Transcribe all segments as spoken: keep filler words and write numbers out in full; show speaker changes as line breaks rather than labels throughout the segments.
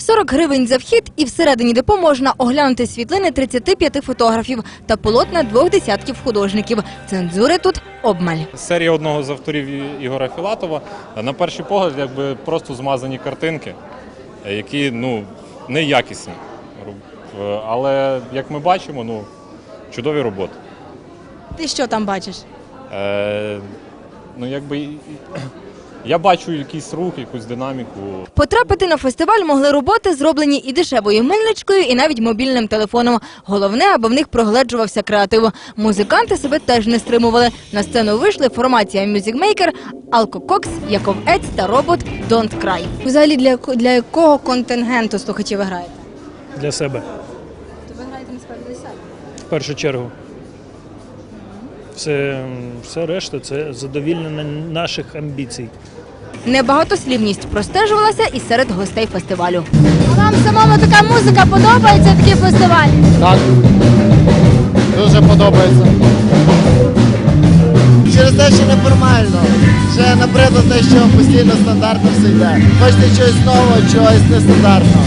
сорок гривень за вхід, і всередині депо можна оглянути світлини тридцяти п'яти фотографів та полотна двох десятків художників. Цензури тут обмаль.
Серія одного з авторів Ігоря Філатова. На перший погляд, якби просто змазані картинки, які ну неякісні. Але як ми бачимо, ну чудові роботи.
Ти що там бачиш?
Е, ну якби я бачу якийсь рух, якусь динаміку.
Потрапити на фестиваль могли роботи, зроблені і дешевою мильничкою, і навіть мобільним телефоном. Головне, аби в них прогледжувався креатив. Музиканти себе теж не стримували. На сцену вийшли формація Music Maker, Алко Кокс, Яков Ець та робот Don't Cry. Взагалі для, для якого контингенту слухачів ви граєте?
Для себе,
То ви граєте насправді для себе?
в першу чергу. Все, все решта – це задовільнення наших амбіцій.
Небагатослівність простежувалася і серед гостей фестивалю. А вам самому така музика подобається, такі фестивалі?
Так, дуже подобається. Через те, що неформально. Ще набридло те, що постійно стандартно все йде. Хочете чогось нового, чогось нестандартного.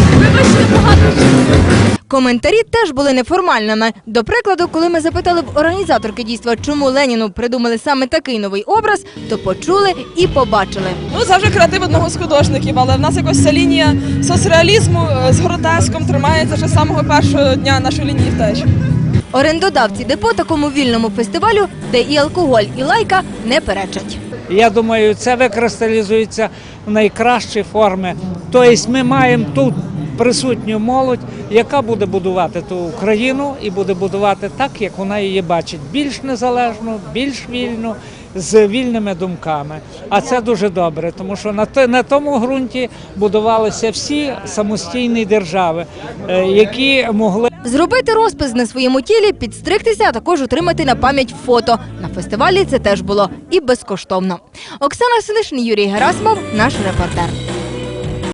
Коментарі теж були неформальними. До прикладу, коли ми запитали в організаторки дійства, чому Леніну придумали саме такий новий образ, то почули і побачили.
Ну, завжди креатив одного з художників, але в нас якось ця лінія соцреалізму з гротеском тримається вже з самого першого дня нашої лінії втеч.
Орендодавці депо такому вільному фестивалю, де і алкоголь, і лайка, не перечать.
Я думаю, це викристалізується в найкращі форми. Тобто ми маємо тут присутню молодь, яка буде будувати ту Україну і буде будувати так, як вона її бачить. Більш незалежно, більш вільно, з вільними думками. А це дуже добре, тому що на, на тому ґрунті будувалися всі самостійні держави, які могли...
Зробити розпис на своєму тілі, підстригтися, а також отримати на пам'ять фото. На фестивалі це теж було і безкоштовно. Оксана Синишин, Юрій Герасимов, наш репортер.